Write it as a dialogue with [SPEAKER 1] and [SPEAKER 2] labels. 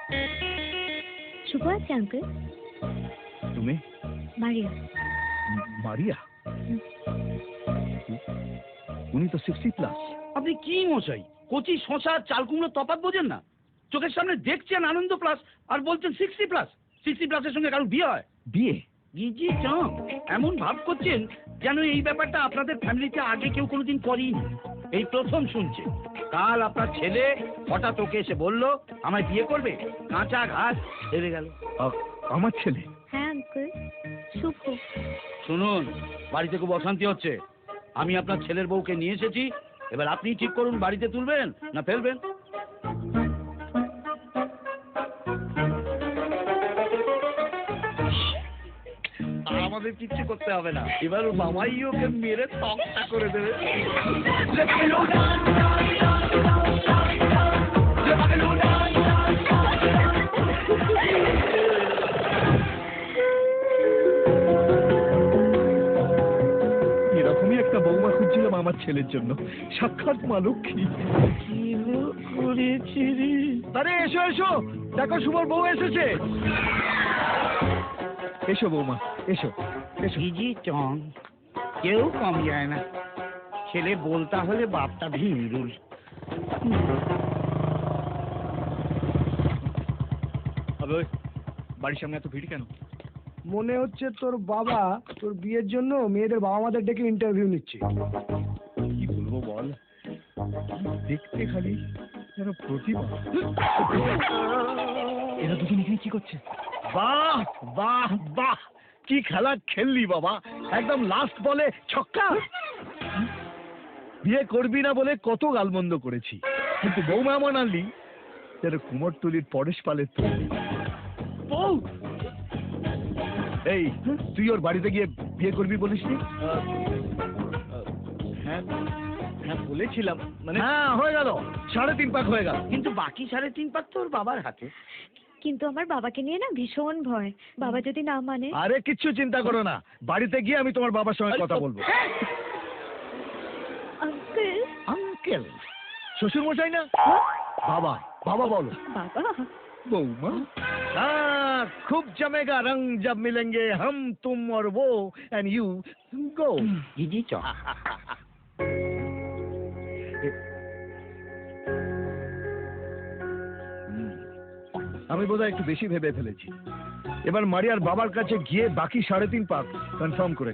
[SPEAKER 1] শুভ আছে আঙ্কেল।
[SPEAKER 2] তুমি?
[SPEAKER 1] মারিয়া।
[SPEAKER 2] মারিয়া? উনি তো 60+।
[SPEAKER 3] আপনি কি মশাই, কচি শশা চাল কুমড়ো তফাৎ বোঝেন না? চোখের সামনে দেখছেন আনন্দ প্লাস আর বলছেন 60+। 60+-এর সঙ্গে কারোর বিয়ে হয়?
[SPEAKER 2] বিয়ে?
[SPEAKER 3] জি চাম, এমন ভাব করছেন যেন এই ব্যাপারটা আপনাদের ফ্যামিলিতে আগে কেউ কোনোদিন করেনি, এই প্রথম শুনছে। কাল আপনার ছেলে হঠাৎ ওকে এসে বলল আমায় বিয়ে করবে, কাঁচা ঘাস হেরে গেল।
[SPEAKER 2] আমার ছেলে?
[SPEAKER 1] হ্যাঁ আঙ্কেল, শুভ।
[SPEAKER 3] শুনুন, বাড়িতে খুব অশান্তি হচ্ছে। আমি আপনার ছেলের বউকে নিয়ে এসেছি, এবার আপনি ঠিক করুন বাড়িতে তুলবেন না ফেলবেন। আমাদের কিচ্ছু করতে হবে না, এবার ওর বাবাই ওকে মেরে তক্তা করে দেবে।
[SPEAKER 2] এরকমই একটা বৌমা খুঁজছিলাম আমার ছেলের জন্য, সাক্ষাৎ মা লক্ষ্মী। আরে এসো এসো, দেখো শুভর বউ এসেছে। এসো বৌমা, এসো এসো।
[SPEAKER 3] জি চং, কেউ কম যায় না। ছেলে বলতা হলে বাপটা ভিমরুল।
[SPEAKER 2] বাড়ির সামনে এত ভিড় কেন?
[SPEAKER 4] মনে হচ্ছে তোর বাবা তোর বিয়ের জন্য মেয়েদের বাবা মাদের ডেকে ইন্টারভিউ নিচ্ছে।
[SPEAKER 2] কি বলবো বল, দেখতে খালি যেন প্রতিভা। এরা দুজন এখানে কি করছে? বাহ বাহ বাহ, কি খেলা খেললি বাবা, একদম লাস্ট বলে ছক্কা। বিয়ে করবি না বলে কত গালমন্দ করেছি, কিন্তু বৌমা এমন আনলি যেন কুমোরটুলির পরেশ পালের তৈরি বউ। এই তুই ওর বাড়িতে গিয়ে বিয়ে করবি বলিসনি?
[SPEAKER 3] হ্যাঁ হ্যাঁ বলেছিলাম, মানে
[SPEAKER 2] হ্যাঁ হয়ে গেল, 3.5 পাক হয়ে গেল।
[SPEAKER 3] কিন্তু বাকি 3.5 পাক তো ওর বাবার হাতে।
[SPEAKER 1] কিন্তু আমার বাবাকে নিয়ে না ভীষণ ভয়, বাবা যদি না মানে।
[SPEAKER 2] আরে কিচ্ছু চিন্তা করো না, বাড়িতে গিয়ে আমি তোমার বাবার সঙ্গে কথা বলবো।
[SPEAKER 1] আঙ্কেল।
[SPEAKER 2] আঙ্কেল? শ্বশুর মশাই না? বাবা বাবা বলো।
[SPEAKER 1] বাবা।
[SPEAKER 2] বৌমা? हाँ, खूब जमेगा रंग जब मिलेंगे हम तुम और वो एंड यू गो।
[SPEAKER 3] জি চং।
[SPEAKER 2] আমি বোধহয় একটু বেশি ভেবে ফেলেছি। এবার মারিয়ার বাবার কাছে গিয়ে বাকি 3.5 পাক কনফার্ম করে